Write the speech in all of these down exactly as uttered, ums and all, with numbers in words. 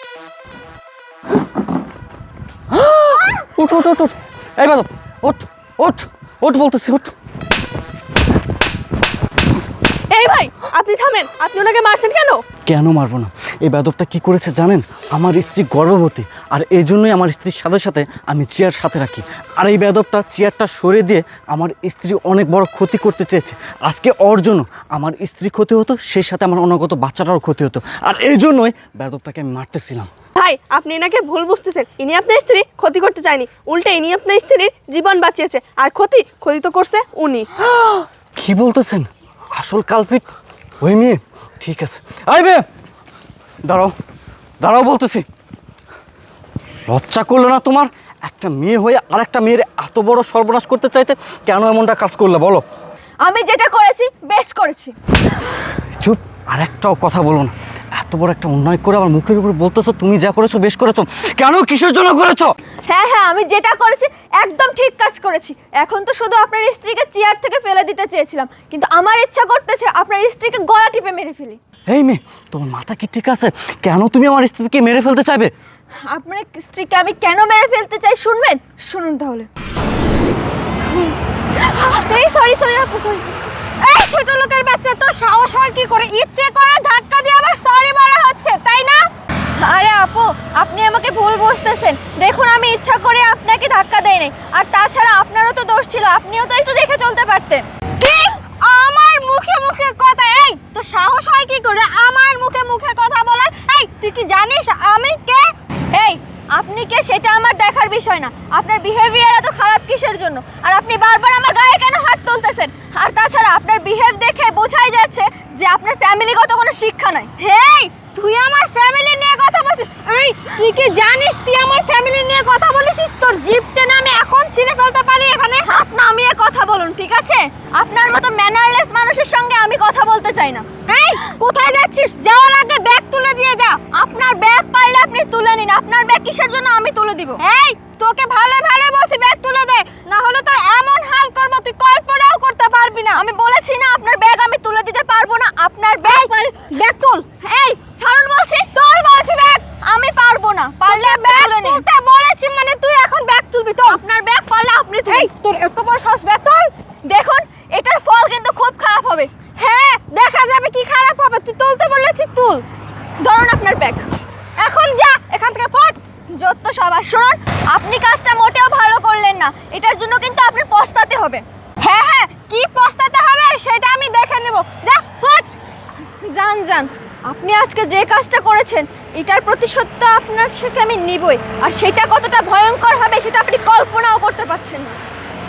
উঠ উঠ উঠ উঠ এই বাদব উঠ উঠ উঠ বলতেছি উঠ। এই ভাই আপনি থামেন, আপনি ওনাকে মারছেন কেন? কেন মারবো না? এই বেদবটা কি করেছে জানেন? আমার স্ত্রী গর্ভবতী, আর এই জন্যই আমার স্ত্রীর সাথে সাথে আমি চেয়ার সাথে রাখি। আর এই বেদবটা চেয়ারটা সরিয়ে দিয়ে আমার স্ত্রী অনেক বড় ক্ষতি করতে চেয়েছে। আজকে ওর জন্য আমার স্ত্রী ক্ষতি হতো, সেই সাথে আমার অনাগত বাচ্চাটারও ক্ষতি হতো, আর এই জন্যই বেদবটাকে আমি মারতেছিলাম। ভাই আপনি এনাকে ভুল বুঝতেছেন, ইনি আপনার স্ত্রী ক্ষতি করতে চায়নি, উল্টে ইনি আপনার স্ত্রীর জীবন বাঁচিয়েছে, আর ক্ষতি ক্ষতি তো করছে উনি। কি বলতেছেন? আসল কালপিট ওই মেয়ে? ঠিক আছে, আইবে দাঁড়াও দাঁড়াও বলতেছি। লজ্জা করলো না তোমার? একটা মেয়ে হয়ে আর একটা মেয়ের এত বড় সর্বনাশ করতে চাইতে কেন এমনটা কাজ করলে বলো? আমি যেটা করেছি বেশ করেছি। চুপ, আর একটাও কথা বলো না। এত বড় একটা অন্যায় করে আমার মুখের উপর বলতেছো তুমি যা করেছো বেশ করেছো। কেন, কিসের জন্য করেছো? হ্যাঁ হ্যাঁ আমি যেটা করেছি একদম ঠিক কাজ করেছি। এখন তো শুধু আপনার স্ত্রীকে চেয়ার থেকে ফেলে দিতে চেয়েছিলাম, কিন্তু আমার ইচ্ছা করতেছে আপনার স্ত্রীকে গলা টিপে মেরে ফেলি। এই মেয়ে, তোমার মাথা কি ঠিক আছে? কেন তুমি আমার স্ত্রীকে মেরে ফেলতে চাইবে? আপনার স্ত্রীকে আমি কেন মেরে ফেলতে চাই শুনবেন? শুনুন তাহলে। এই সরি সরি আপু সরি। এই ছোট লোকের বাচ্চা, তো সাহস হয় কি করে ইচ্ছে করে ধাক্কা দিয়ে আবার সরি বলা হচ্ছে, তাই না? আরে আপু, আপনি আমাকে ভুল বুঝতেছেন। দেখুন আমি ইচ্ছা করে আপনাকে ধাক্কা দেই নাই, আর তাছাড়া আপনারও তো দোষ ছিল, আপনিও তো একটু দেখে চলতে পারতেন। কি আমার মুখে মুখে কথা? এই তো সাহস হয় কি করে আমার মুখে মুখে কথা বলার? এই তুই কি জানিস আমি কে? এই আপনি কে সেটা আমার দেখার বিষয় না, আপনার বিহেভিয়ার এত খারাপ কিসের জন্য? আর আপনি বারবার আমার গায়ে কেন হাত তুলতেছেন? আর তাছাড়া আপনার বিহেভ দেখে বোঝাই যাচ্ছে যে আপনার ফ্যামিলিগত কোনো শিক্ষা নাই। হেই তুই আমার ফ্যামিলি নিয়ে কথা বলছিস? এই তুই কি জানিস তুই আমার ফ্যামিলি নিয়ে কথা বলিস? তোর জিভ টেনে আমি এখন ছিঁড়ে ফেলতে পারি। এখানে হাত নামিয়ে কথা বলুন, ঠিক আছে? আপনার মতো ম্যানারলেস মানুষের সঙ্গে আমি কথা বলতে চাই না। এই কোথায় যাচ্ছিস? যাওয়ার আগে ব্যাগ তুলে দিয়ে যা। আপনার ব্যাগ পারলে আপনি তুলে নিন, আপনার ব্যাগ কিসের জন্য আমি তুলে দিব? এই তোকে ভালো ভালো বলছি ব্যাগ তুলে দে, না হলে তোর এমন হাল করব তুই কল্পনাও করতে পারবি না। আমি বলেছি না আপনার ব্যাগ আমি তুলে দিতে পারবো না। আপনার ব্যাগ ব্যাগ তুল। এই ছাড়ুন বলছি, তোর বলছি ব্যাগ। আমি পারবো না, পারলে ব্যাগ তুলতে বলেছি মানে তুই এখন ব্যাগ তুলবি তো? আপনার ব্যাগ পারলে আপনি তুল। এই তোর এত বড় সাহস, ব্যাগ তুল। দেখুন এটার ফল কিন্তু খুব খারাপ হবে। হ্যাঁ দেখা যাবে কি খারাপ হবে, তুই তুলতে বলেছি তুল। ধরুন আপনার ব্যাগ, এখন যা এখান থেকে ফট। যত সবার শুনুন, আপনি কাজটা মোটেও ভালো করলেন না, এটার জন্য কিন্তু আপনার পস্তাতে হবে। হ্যাঁ হ্যাঁ কি পস্তাতে হবে সেটা আমি দেখে নেব। যা ফট, যান যান। আপনি আজকে যে কাজটা করেছেন এটার প্রতিশোধ তো আপনার সাথে আমি নিবই, আর সেটা কতটা ভয়ঙ্কর হবে সেটা আপনি কল্পনাও করতে পারছেন না।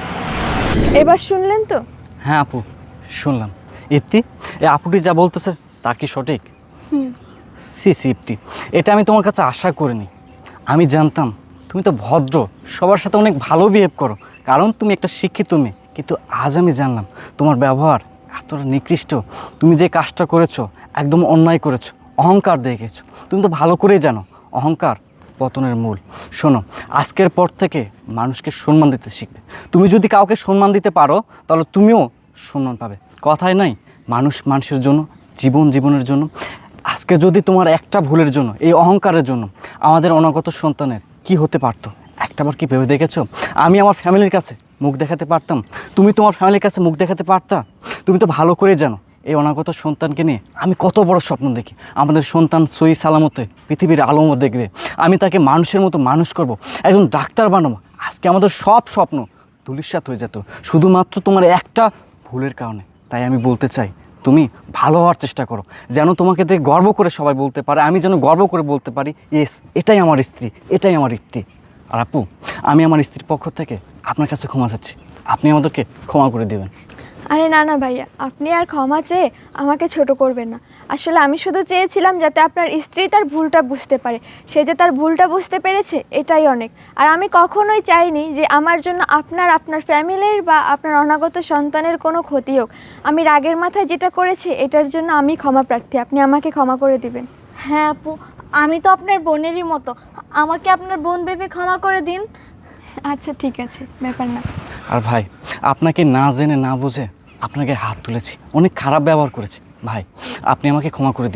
এবার শুনলেন তো? হ্যাঁ আপু, শুনলাম। ইপ্তি, এই আপুটি যা বলতেছে তা কি সঠিক? হুম। সি সি ইপ্তি, এটা আমি তোমার কাছে আশা করিনি। আমি জানতাম তুমি তো ভদ্র, সবার সাথে অনেক ভালো বিহেভ করো, কারণ তুমি একটা শিক্ষিত মেয়ে। কিন্তু আজ আমি জানলাম তোমার ব্যবহার এতটা নিকৃষ্ট। তুমি যে কাজটা করেছো একদম অন্যায় করেছো, অহংকার দেখেছো। তুমি তো ভালো করেই জানো অহংকার পতনের মূল। শোনো, আজকের পর থেকে মানুষকে সম্মান দিতে শিখবে। তুমি যদি কাউকে সম্মান দিতে পারো তাহলে তুমিও সম্মান পাবে। কথায় নাই, মানুষ মানুষের জন্য, জীবন জীবনের জন্য। আজকে যদি তোমার একটা ভুলের জন্য, এই অহংকারের জন্য আমাদের অনাগত সন্তানের কি হতে পারতো একটাবার কি ভেবে দেখেছো? আমি আমার ফ্যামিলির কাছে মুখ দেখাতে পারতাম, তুমি তোমার ফ্যামিলির কাছে মুখ দেখাতে পারতা? তুমি তো ভালো করে জানো এই অনাগত সন্তানকে নিয়ে আমি কত বড় স্বপ্ন দেখি। আমাদের সন্তান সহি সালামতে পৃথিবীর আলোমও দেখবে, আমি তাকে মানুষের মতো মানুষ করব, একজন ডাক্তার বানাবো। আজকে আমাদের সব স্বপ্ন ধূলিসাৎ হয়ে যেত শুধুমাত্র তোমার একটা ভুলের কারণে। তাই আমি বলতে চাই তুমি ভালো হওয়ার চেষ্টা করো, যেন তোমাকে দেখে গর্ব করে সবাই বলতে পারে, আমি যেন গর্ব করে বলতে পারি ইয়েস এটাই আমার স্ত্রী, এটাই আমার ইপ্তি। আর আপু, আমি আমার স্ত্রীর পক্ষ থেকে আপনার কাছে ক্ষমা চাচ্ছি, আপনি আমাদেরকে ক্ষমা করে দেবেন। আরে না না ভাইয়া, আপনি আর ক্ষমা চেয়ে আমাকে ছোট করবেন না। আসলে আমি শুধু চেয়েছিলাম যাতে আপনার স্ত্রী তার ভুলটা বুঝতে পারে। সে যে তার ভুলটা বুঝতে পেরেছে এটাই অনেক। আর আমি কখনোই চাইনি যে আমার জন্য আপনার আপনার ফ্যামিলির বা আপনার অনাগত সন্তানের কোনো ক্ষতি হোক। আমি রাগের মাথায় যেটা করেছি এটার জন্য আমি ক্ষমা প্রার্থী, আপনি আমাকে ক্ষমা করে দিবেন। হ্যাঁ আপু, আমি তো আপনার বোনেরই মতো, আমাকে আপনার বোন ভেবে ক্ষমা করে দিন। আচ্ছা ঠিক আছে, ব্যাপার না। আর ভাই, আপনাকে না জেনে না বুঝে আপনাকে হাত তুলেছি, অনেক খারাপ ব্যবহার করেছি ভাই, আপনি আমাকে ক্ষমা করে দিবেন।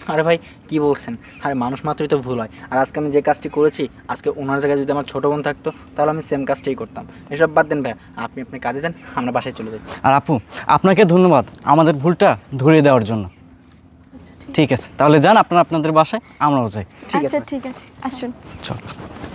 আরে ভাই কি বলছেন, আরে মানুষ মাত্রই তো ভুল হয়। আর আজকে আমি যে কাজটি করেছি, আজকে ওনার জায়গায় যদি আমার ছোটো বোন থাকতো তাহলে আমি সেম কাজটাই করতাম। এসব বাদ দেন ভাই, আপনি আপনি কাজে যান, আমরা বাসায় চলে যাই। আর আপু, আপনাকে ধন্যবাদ আমাদের ভুলটা ধরিয়ে দেওয়ার জন্য। ঠিক আছে, তাহলে যান আপনারা আপনাদের বাসায়, আমরাও যাই। ঠিক আছে আচ্ছা ভাই। ঠিক আছে, আসুন। চল।